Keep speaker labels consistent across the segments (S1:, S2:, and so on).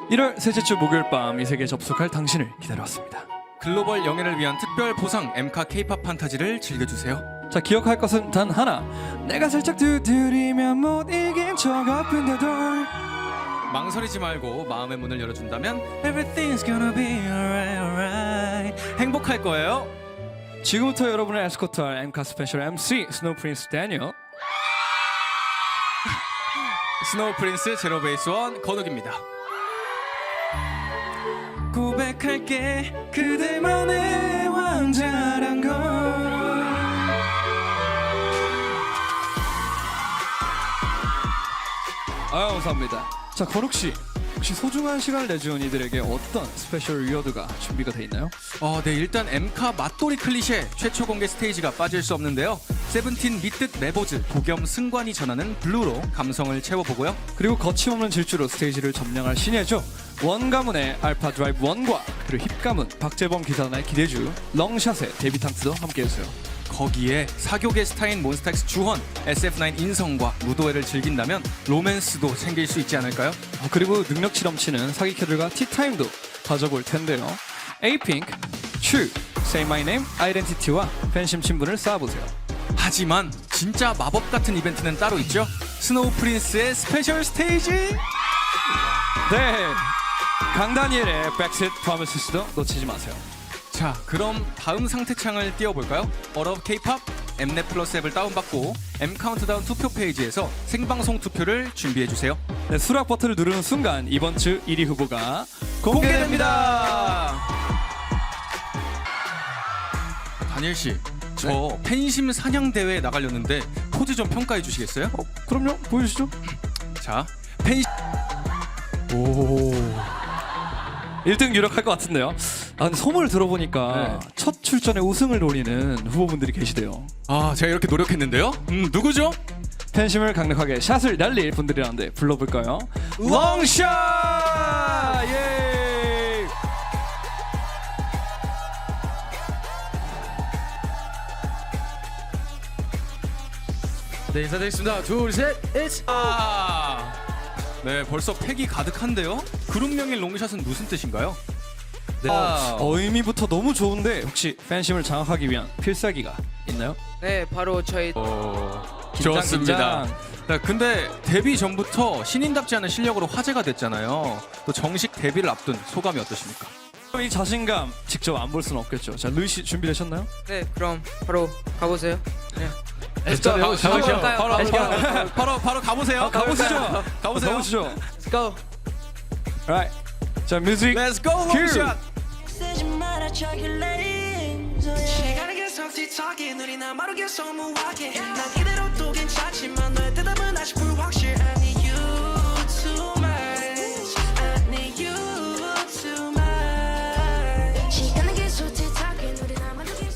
S1: 1월 셋째 주 목요일 밤 이 세계에 접속할 당신을 기다려왔습니다.
S2: 글로벌 영예를 위한 특별 보상 엠카 K-팝 판타지를 즐겨주세요.
S1: 자, 기억할 것은 단 하나. 내가 살짝 두드리면 못 이긴 적 아픈데도
S2: 망설이지 말고 마음의 문을 열어준다면 Everything's gonna be alright, alright. 행복할 거예요.
S1: 지금부터 여러분의 에스코트할 엠카 스페셜 MC 스노우 프린스 데니얼,
S2: 스노우 프린스 제로 베이스 원 건욱입니다. 고백할게 그대만의 왕자란 걸.
S1: 아, 감사합니다. 자, 건욱 씨, 혹시 소중한 시간을 내준 이들에게 어떤 스페셜 리워드가 준비가 돼 있나요?
S2: 네, 일단 엠카 맛돌이 클리셰 최초 공개 스테이지가 빠질 수 없는데요. 세븐틴 밑뜻 레보즈 도겸 승관이 전하는 블루로 감성을 채워보고요.
S1: 그리고 거침없는 질주로 스테이지를 점령할 신예죠. 원 가문의 알파 드라이브 1과 그리고 힙 가문 박재범 기사단의 기대주 렁샷의 데뷔탕트도 함께해주세요.
S2: 거기에 사교계 스타인 몬스타엑스 주헌, SF9 인성과 무도회를 즐긴다면 로맨스도 챙길 수 있지 않을까요?
S1: 그리고 능력치 넘치는 사기캐들과 티타임도 가져볼 텐데요. 에이핑크, 츄, Say My Name, 아이덴티티와 팬심 친분을 쌓아보세요.
S2: 하지만 진짜 마법 같은 이벤트는 따로 있죠. 스노우 프린스의 스페셜 스테이지.
S1: 네, 강다니엘의 Backseat Promises도 놓치지 마세요.
S2: 자, 그럼 다음 상태창을 띄워볼까요? All of K-pop 엠넷 플러스 앱을 다운받고 M 카운트다운 투표 페이지에서 생방송 투표를 준비해주세요.
S1: 네, 수락 버튼을 누르는 순간 이번 주 1위 후보가 공개됩니다.
S2: 다니엘 씨, 저 팬심 사냥 대회에 나가려는데 포즈 좀 평가해 주시겠어요?
S1: 그럼요, 보여주시죠.
S2: 자, 팬.
S1: 오, 1등 유력할 것 같은데요. 근데 소문을 들어보니까 첫 출전에 우승을 노리는 후보분들이 계시대요.
S2: 제가 이렇게 노력했는데요. 누구죠?
S1: 팬심을 강력하게 샷을 날릴 분들이라는데 불러볼까요?
S2: 롱샷!
S1: 예!
S2: 네, 인사드리겠습니다. 둘, 셋, 잇! 네, 벌써 팩이 가득한데요. 그룹명인 롱샷은 무슨 뜻인가요? 네.
S1: 의미부터 너무 좋은데 혹시 팬심을 장악하기 위한 필살기가 있나요?
S3: 네, 바로 저희
S2: 좋습니다. 네, 근데 데뷔 전부터 신인답지 않은 실력으로 화제가 됐잖아요. 또 정식 데뷔를 앞둔 소감이 어떠십니까?
S1: 이 자신감 직접 안 볼 수는 없겠죠. 자, 루이 씨 준비되셨나요?
S3: 네, 그럼 바로 가보세요. 네.
S2: 바로 가보세요.
S1: 가보시죠.
S2: 가보세요.
S1: 가보시죠.
S3: Let's go.
S1: Right. 자, 뮤직.
S2: Let's go 롱샷.
S4: 시간에게 성티하게 느리나 마르게 소무하게 난 이대로 또 괜찮지만 너의 대답은 아직 불확실 I need you too much I need you too much 시간에게 성티하게 느리나 마르게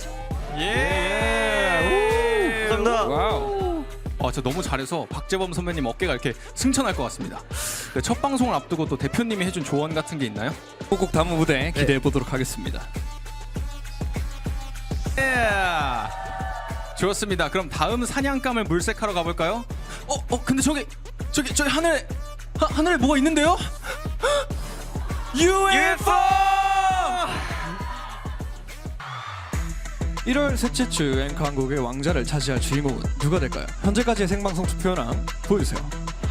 S2: 예.
S1: 감사합니다. 와우.
S2: 저 너무 잘해서 박재범 선배님 어깨가 이렇게 승천할 것 같습니다. 네, 첫 방송을 앞두고 또 대표님이 해준 조언 같은 게 있나요?
S1: 꼭 다음 무대 기대해 보도록 하겠습니다.
S2: 좋습니다. 그럼 다음 사냥감을 물색하러 가볼까요? 근데 저기 하늘에 뭐가 있는데요? UFO!
S1: 1월 셋째 주 앵커 한국의 왕자를 차지할 주인공은 누가 될까요? 현재까지의 생방송 투표랑 보여주세요.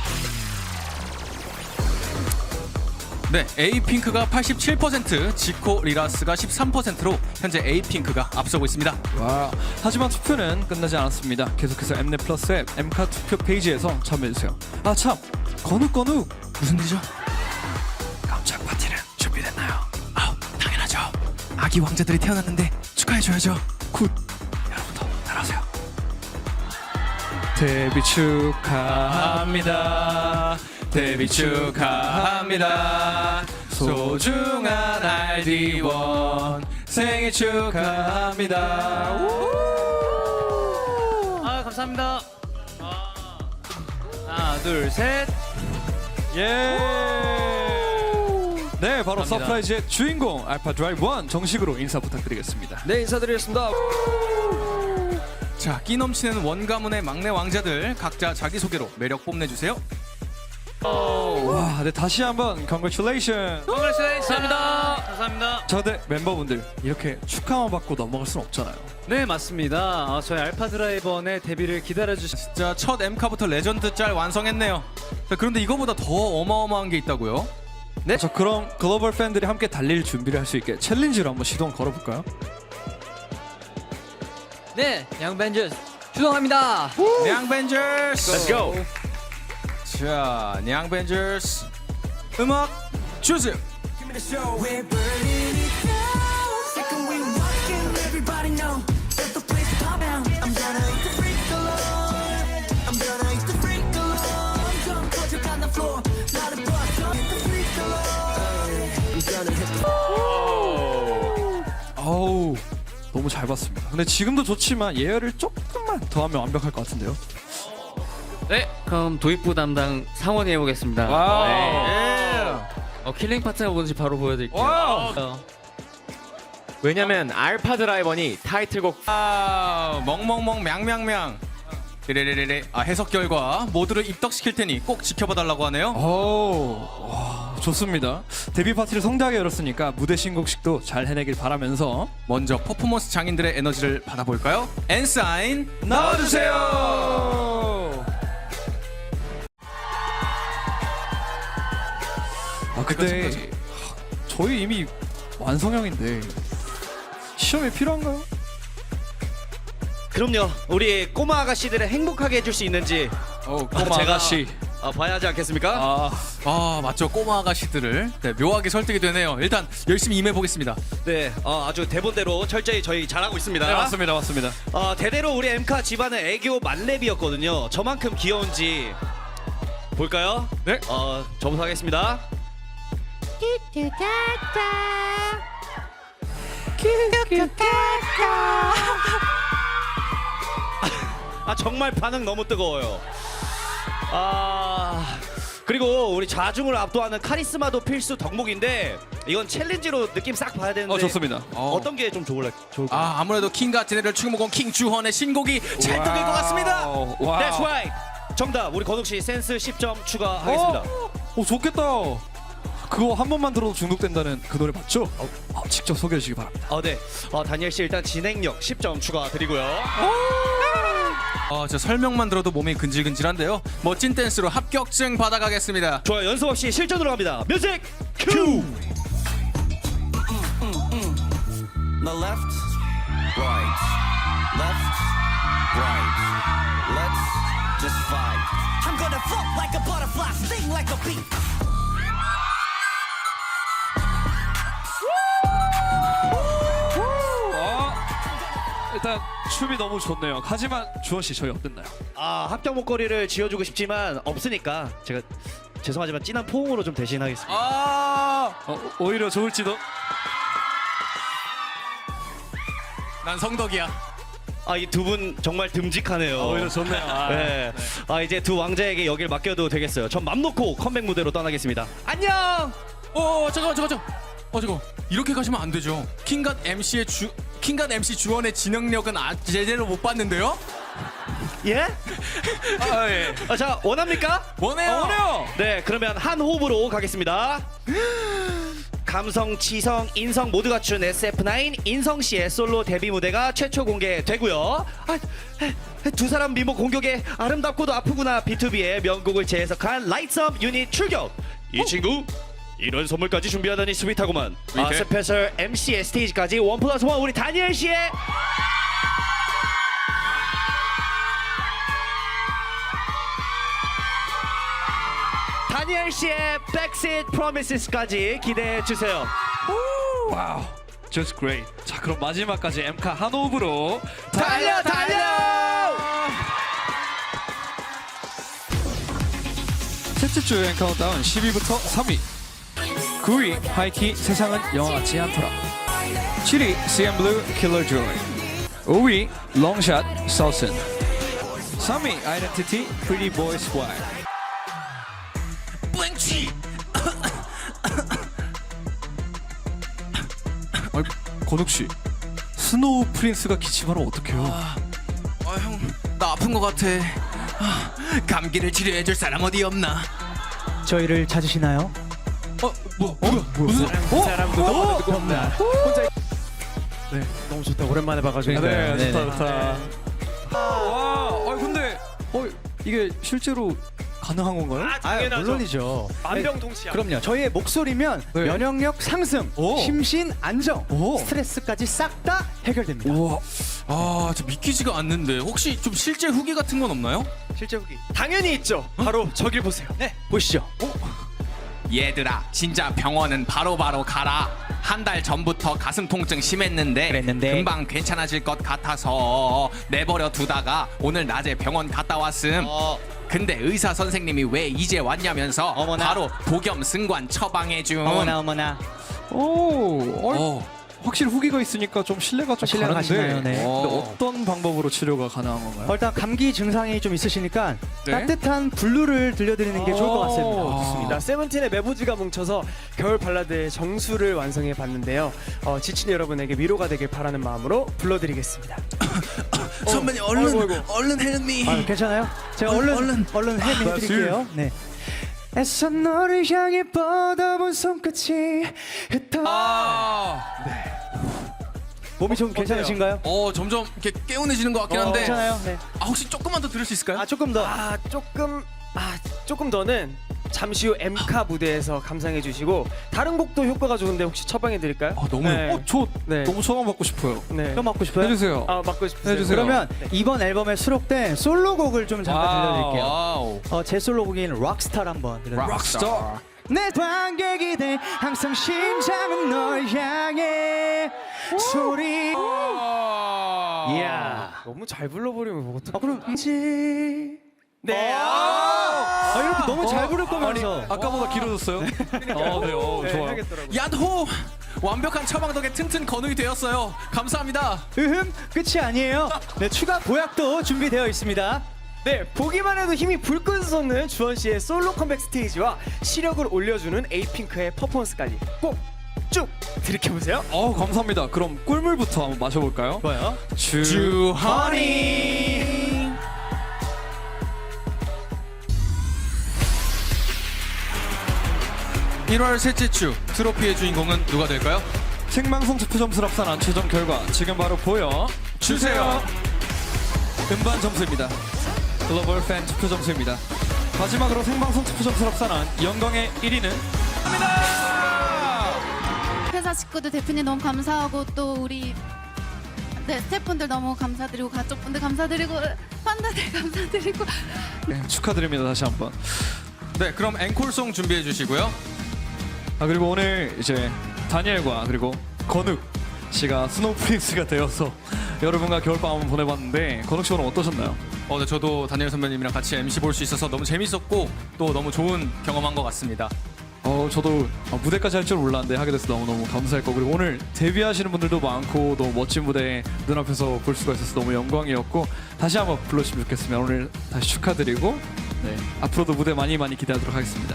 S2: 네, 에이핑크가 87%, 지코 리라스가 13%로 현재 에이핑크가 앞서고 있습니다.
S1: 와, 하지만 투표는 끝나지 않았습니다. 계속해서 엠넷 플러스 앱 엠카 투표 페이지에서 참여해주세요. 아 참, 건욱
S2: 무슨 일이죠?
S1: 깜짝 파티는 준비됐나요?
S2: 당연하죠. 아기 왕자들이 태어났는데 축하해줘야죠.
S1: 굿, 여러분도 따라하세요. 데뷔 축하합니다.
S2: 데뷔 축하합니다. 소중한 RD1 생일 축하합니다.
S3: 감사합니다. 하나, 둘, 셋.
S1: 예. 네, 바로
S3: 감사합니다.
S1: 서프라이즈의 주인공 알파 드라이브 1 정식으로 인사 부탁드리겠습니다.
S3: 네, 인사드리겠습니다.
S2: 자, 끼 넘치는 원가문의 막내 왕자들 각자 자기소개로 매력 뽐내주세요.
S1: 와, 네, 다시 한번 congratulations.
S3: 감사합니다. 감사합니다.
S1: 자, 근데 멤버분들 이렇게 축하만 받고 넘어갈 순 없잖아요.
S3: 네, 맞습니다. 저희 알파 드라이버의 데뷔를 기다려주신
S2: 자, 첫 M카부터 레전드 짤 완성했네요. 자, 그런데 이거보다 더 어마어마한 게 있다고요?
S1: 네. 자, 그럼 글로벌 팬들이 함께 달릴 준비를 할 수 있게 챌린지로 한번 시동 걸어볼까요?
S3: 네, 양벤져스 출동합니다.
S2: 냥벤져스.
S3: Let's go.
S2: 자, 냥벤져스 음악 주세요.
S4: We're burning it down. Second we walk in, everybody know that the place is pop down. I'm gonna eat the freak alone. I'm gonna eat the freak alone. Jump, put your on the floor. Not a boss, don't hit the freak alone. I'm gonna hit the
S1: 어우, 너무 잘 봤습니다. 근데 지금도 좋지만 예열을 조금만 더 하면 완벽할 것 같은데요.
S3: 네, 그럼 도입부 담당 상원이 해보겠습니다.
S1: 와우.
S3: 네. 킬링 파트가 뭔지 바로 보여드릴게요.
S1: 와우.
S5: 왜냐면 알파 드라이버니 타이틀곡
S2: 아, 멍멍멍 냥냥냥. 레레레레. 아, 해석 결과 모두를 입덕시킬 테니 꼭 지켜봐달라고 하네요.
S1: 와, 좋습니다. 데뷔 파티를 성대하게 열었으니까 무대 신곡식도 잘 해내길 바라면서
S2: 먼저 퍼포먼스 장인들의 에너지를 받아볼까요? 엔사인 나와주세요.
S1: 아, 근데
S2: 그렇지.
S1: 저희 이미 완성형인데 시험이 필요한가요?
S5: 그럼요. 우리 꼬마 아가씨들을 행복하게 해줄 수 있는지
S2: 꼬마
S1: 제가씨.
S5: 봐야 하지 않겠습니까?
S2: 아, 맞죠. 꼬마 아가씨들을 묘하게 설득이 되네요. 일단 열심히 임해보겠습니다.
S5: 네, 아주 대본대로 철저히 저희 잘하고 있습니다.
S1: 네, 맞습니다.
S5: 대대로 우리 엠카 집안은 애교 만렙이었거든요. 저만큼 귀여운지 볼까요?
S2: 네.
S5: 저부터 하겠습니다. 정말 반응 너무 뜨거워요. 그리고 우리 자중을 압도하는 카리스마도 필수 덕목인데 이건 챌린지로 느낌 싹 봐야 되는데
S1: 좋습니다.
S5: 어떤 게 좀 좋을까요?
S2: 아무래도 킹과 제네럴 충무공 킹주헌의 신곡이 찰떡일 것 같습니다.
S1: 와우.
S5: That's right. 정답. 우리 건욱 씨 센스 10점 추가하겠습니다.
S1: 오, 좋겠다. 그거 한 번만 들어도 중독된다는 그 노래 맞죠? 직접 소개해 주시기 바랍니다.
S5: 네. 다니엘 씨 일단 진행력 10점 추가드리고요.
S2: 저 설명만 들어도 몸이 근질근질한데요. 멋진 댄스로 합격증 받아가겠습니다.
S5: 좋아요. 연습 없이 실전으로 갑니다. 뮤직 큐.
S6: The left, right, left, right. Let's just fight.
S4: I'm gonna float like a butterfly, sting like a bee.
S1: 일단 춤이 너무 좋네요. 하지만 주원 씨 저희 어땠나요?
S5: 합격 목걸이를 지어주고 싶지만 없으니까 제가 죄송하지만 진한 포옹으로 좀 대신하겠습니다.
S1: 오히려 좋을지도.
S2: 난 성덕이야.
S5: 이 두 분 정말 듬직하네요.
S1: 오히려 좋네요.
S5: 네. 이제 두 왕자에게 여길 맡겨도 되겠어요. 전 맘 놓고 컴백 무대로 떠나겠습니다. 안녕.
S2: 잠깐. 이렇게 가시면 안 되죠. 킹갓 MC 주원의 진행력은 제대로 못 봤는데요.
S5: 예?
S1: 예.
S5: 자, 원합니까?
S2: 원해요.
S5: 네, 그러면 한 호흡으로 가겠습니다. 감성, 지성, 인성 모두 갖춘 SF9 인성 씨의 솔로 데뷔 무대가 최초 공개되고요. 두 사람 미모 공격에 아름답고도 아프구나 B2B의 명곡을 재해석한 라이트업 유닛 출격. 이 친구 이런 선물까지 준비하다니 스윗하구만. 스페셜 MC의 스테이지까지 1+1 우리 다니엘 씨의 Backseat Promises까지 기대해 주세요.
S1: 와우. Just great. 자, 그럼 마지막까지 엠카 한 호흡으로
S5: 달려!
S1: 셋째 주 여행 카운트다운 10위부터 3위. 9위 하이키 세상은 영화 같지 않더라. 7위 CNBLUE Killer Joy. 5위 롱샷 서슨. 3위 아이덴티티 Pretty Boy Swag. 건욱 씨, 스노우 프린스가 기침하면 어떡해요?
S2: 형, 나 아픈 것 같아. 감기를 치료해줄 사람 어디 없나?
S7: 저희를 찾으시나요?
S2: 무슨
S8: 사람도 너무 없나. 혼자. 네, 너무 좋다. 오랜만에 봐가지고.
S1: 네, 좋다. 와, 근데 이게 실제로 가능한 건가요?
S7: 물론이죠.
S8: 만병통치약.
S7: 그럼요. 저희의 목소리면
S1: 네.
S7: 면역력 상승,
S1: 오.
S7: 심신 안정,
S1: 오.
S7: 스트레스까지 싹 다 해결됩니다.
S1: 우와.
S2: 저 믿기지가 않는데 혹시 좀 실제 후기 같은 건 없나요?
S8: 실제 후기. 당연히 있죠. 바로 저길 보세요.
S7: 네, 보시죠.
S2: 얘들아, 진짜 병원은 바로바로 가라. 한 달 전부터 가슴 통증 심했는데
S7: 그랬는데.
S2: 금방 괜찮아질 것 같아서 내버려 두다가 오늘 낮에 병원 갔다 왔음. 근데 의사 선생님이 왜 이제 왔냐면서
S7: 어머나.
S2: 바로 독염 승관 처방해줌.
S7: 어머나.
S1: 오, 확실히 후기가 있으니까 좀 신뢰가 좀
S7: 신뢰가
S1: 가는데.
S7: 가시나요? 네.
S1: 근데 어떤 방법으로 치료가 가능한 건가요?
S7: 일단 감기 증상이 좀 있으시니까
S1: 네.
S7: 따뜻한 블루를 들려드리는 게 좋을 것 같습니다.
S8: 좋습니다. 세븐틴의 메보지가 뭉쳐서 겨울 발라드의 정수를 완성해 봤는데요. 지친 여러분에게 위로가 되길 바라는 마음으로 불러드리겠습니다.
S2: 선배님 얼른 헬미.
S7: 괜찮아요? 제가 얼른 해드릴게요. 네. 애써 너를 향해 뻗어본 손끝이 몸이 좀 괜찮으신가요?
S2: 점점 이렇게 개운해지는 것 같긴 한데.
S7: 괜찮아요? 네.
S2: 혹시 조금만 더 들을 수 있을까요?
S7: 조금 더.
S8: 조금 더는 잠시 후 엠카 무대에서 감상해 주시고 다른 곡도 효과가 좋은데 혹시 처방해 드릴까요?
S2: 너무
S8: 네.
S1: 저
S8: 네.
S1: 너무 처방 받고 싶어요.
S8: 네.
S7: 그럼 맡고 싶어요?
S1: 해주세요.
S8: 맡고 싶으세요?
S1: 해주세요.
S7: 그러면 이번 앨범에 수록된 솔로곡을 좀 잠깐 들려드릴게요.
S2: 와우.
S7: 제 솔로곡인 록스타를 한번 들려드릴게요.
S1: 락스타.
S7: 내 관객이 돼 항상 심장은 널 향해 소리. 이야.
S8: 너무 잘 불러버리면 그것도.
S7: 그럼
S8: 네.
S7: 이렇게 너무 잘 부를 거면서.
S1: 아까보다 길어졌어요? 좋아요.
S8: 하겠더라고요.
S2: 야호! 완벽한 처방 덕에 튼튼 건웅이 되었어요. 감사합니다.
S7: 끝이 아니에요. 네, 추가 보약도 준비되어 있습니다.
S8: 네, 보기만 해도 힘이 불끈 솟는 주원 씨의 솔로 컴백 스테이지와 시력을 올려주는 에이핑크의 퍼포먼스까지 꼭 쭉 들이켜 보세요.
S1: 감사합니다. 그럼 꿀물부터 한번 마셔볼까요?
S7: 좋아요.
S2: 주허니. 1월 셋째 주 트로피의 주인공은 누가 될까요?
S1: 생방송 투표 점수를 합산한 최종 결과 지금 바로 보여주세요. 음반 점수입니다. 글로벌 팬 투표 점수입니다. 마지막으로 생방송 투표 점수를 합산한 영광의 1위는
S9: 회사 식구들 대표님 너무 감사하고 또 우리 스태프분들 너무 감사드리고 가족분들 감사드리고 팬들 감사드리고
S1: 축하드립니다. 다시 한번.
S2: 네, 그럼 앵콜송 준비해 주시고요.
S1: 그리고 오늘 이제 다니엘과 그리고 건욱 씨가 스노우 프린스가 되어서 여러분과 겨울밤을 보내봤는데 건욱 씨 오늘 어떠셨나요?
S2: 네, 저도 다니엘 선배님이랑 같이 MC 볼 수 있어서 너무 재밌었고 또 너무 좋은 경험한 것 같습니다.
S1: 저도 무대까지 할 줄 몰랐는데 하게 돼서 너무너무 감사했고 그리고 오늘 데뷔하시는 분들도 많고 너무 멋진 무대 눈앞에서 볼 수가 있어서 너무 영광이었고 다시 한번 불러주시면 좋겠습니다. 오늘 다시 축하드리고 네, 앞으로도 무대 많이 기대하도록 하겠습니다.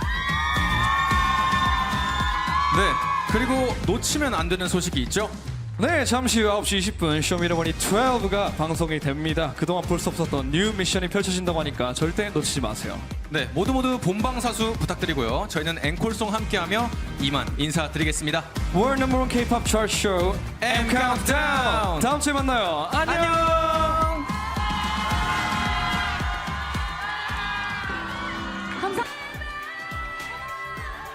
S2: 네, 그리고 놓치면 안 되는 소식이 있죠?
S1: 네, 잠시 후 9시 20분 쇼미더머니 12가 방송이 됩니다. 그동안 볼 수 없었던 뉴 미션이 펼쳐진다고 하니까 절대 놓치지 마세요.
S2: 네, 모두 본방사수 부탁드리고요. 저희는 앵콜송 함께하며 이만 인사드리겠습니다.
S1: World No. 1 K-pop Chart Show M Countdown. 다음 주에 만나요. 안녕.